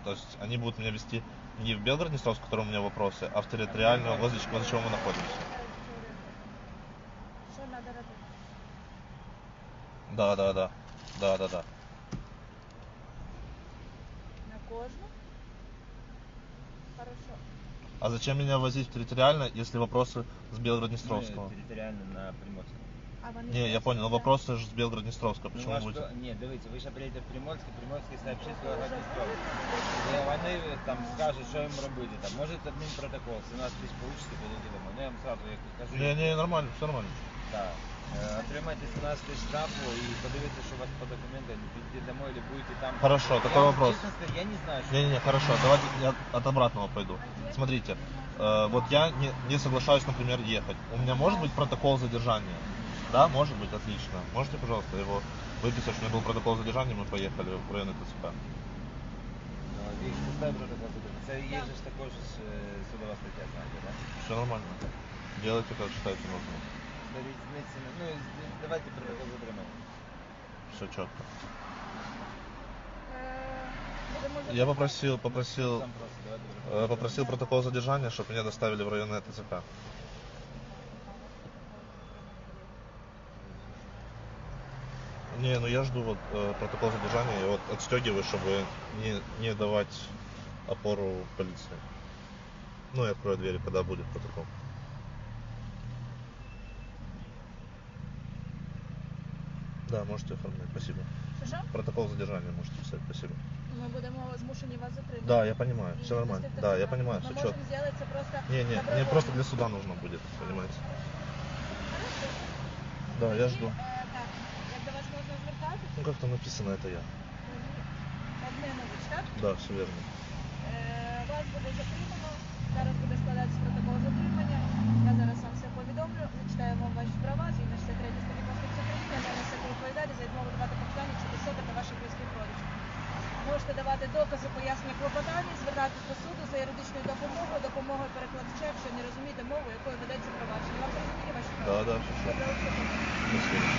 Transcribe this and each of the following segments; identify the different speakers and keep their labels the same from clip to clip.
Speaker 1: То есть они будут меня вести не в Белгород-Днестровск, в котором у меня вопросы, а в территориальную, возле чего мы находимся.
Speaker 2: Що треба робити?
Speaker 1: Да.
Speaker 2: На кожну? Хорошо.
Speaker 1: А зачем меня возить в территориально, если вопросы с Белгород-Днестровского?
Speaker 3: Территориально на Приморську.
Speaker 2: А вони
Speaker 1: Не, я понял, но
Speaker 2: просять,
Speaker 1: вопросы же с Белгород-Днестровского.
Speaker 3: Ну,
Speaker 1: Почему
Speaker 3: ваш
Speaker 1: будете?
Speaker 3: Ні, дивіться, ви ще приїдете в Приморське, Приморський сообщить з Белгород-Дністровськ. І вони там скажуть, що їм робити. Там, може адмінпротокол, 17 тисяч получите, підійдете домой. Ну, я вам сразу як кажу.
Speaker 1: Не, нормально, все нормально.
Speaker 3: Так. Отримайте 17 тисяч штрафу і подивіться, що у вас по документам, підійдете домой, или будете там.
Speaker 1: Хорошо,
Speaker 3: Я
Speaker 1: такой
Speaker 3: вам
Speaker 1: вопрос.
Speaker 3: честно скажу, я не знаю, что...
Speaker 1: Не, хорошо, давайте я от обратного пойду. Смотрите, вот я не соглашаюсь, например, ехать. У меня может быть протокол задержания? Да, может быть, отлично. Можете, пожалуйста, его выписать, что у меня был протокол задержания, мы поехали в район ТЦК.
Speaker 3: Їх составить протокол задержання. Це є ж також судова стаття, знаєте, да?
Speaker 1: Все нормально. Делайте, как считаете нужным.
Speaker 3: Ну, давайте протокол затримання.
Speaker 1: Все четко.
Speaker 2: будемо
Speaker 1: Я попросил
Speaker 3: Сам просто, давайте протокол.
Speaker 1: попросил протокол задержания, чтобы меня доставили в районное ТЦК. Не, ну я жду вот протокол задержания, и вот отстегиваю, чтобы не давать опору полиции. Ну и открою двери, когда будет протокол. Да, можете оформлять, спасибо.
Speaker 2: Що?
Speaker 1: Протокол задержания можете писать, спасибо.
Speaker 2: Ми будемо змушені вас затримати.
Speaker 1: Да, я понимаю,
Speaker 2: І
Speaker 1: все нормально.
Speaker 2: відвести в
Speaker 1: Да,
Speaker 2: ТЦК.
Speaker 1: я понимаю,
Speaker 2: Ми
Speaker 1: все
Speaker 2: можемо
Speaker 1: четко.
Speaker 2: зробити це просто
Speaker 1: Не, мне
Speaker 2: добровольно.
Speaker 1: просто для суда нужно будет, понимаете.
Speaker 2: Хорошо.
Speaker 1: Да, я жду.
Speaker 2: Так, як до вас можна звертатися?
Speaker 1: Ну как там написано, это я.
Speaker 2: Обмінович, так?
Speaker 1: Да, все верно.
Speaker 2: Вас буде затримано, зараз буде складатися протокол затримання. Я зараз вам все повідомлю, зачитаю вам ваші права, згідно 63 статті Конституції України, я несу відповідальність за відмову давати показання щодо себе та ваших близьких родичів. Можете давати докази, пояснення клопотання, звертатись до суду за юридичною допомогою перекладача, якщо не розумієте мову, якою ведеться провадження. Вам зрозуміли ваші права?
Speaker 1: Да, все.
Speaker 2: Добре, все.
Speaker 1: Спасибо.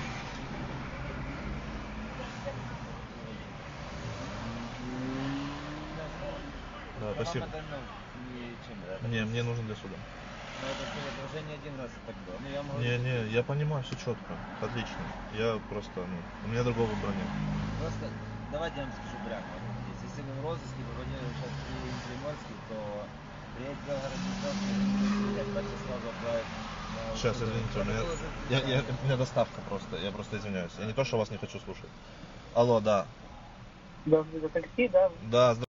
Speaker 1: Да, спасибо.
Speaker 3: Вам это, ну, ничем, да?
Speaker 1: Не, мне нужно для суда.
Speaker 3: Ну, это уже не один раз так было. Ну, я могу...
Speaker 1: Не, я понимаю, все четко, отлично. Я просто, у меня другого выбора нет.
Speaker 3: Просто давайте я вам скажу прямо. Если вы в розыске попадете сейчас в Приморский, то приедет в Белгород-Днестровский, сразу отправить на...
Speaker 1: Сейчас, извините, у меня доставка просто, я просто извиняюсь. Я не то, что вас не хочу слушать. Алло, да.
Speaker 4: Да, за такси, да?
Speaker 1: Да,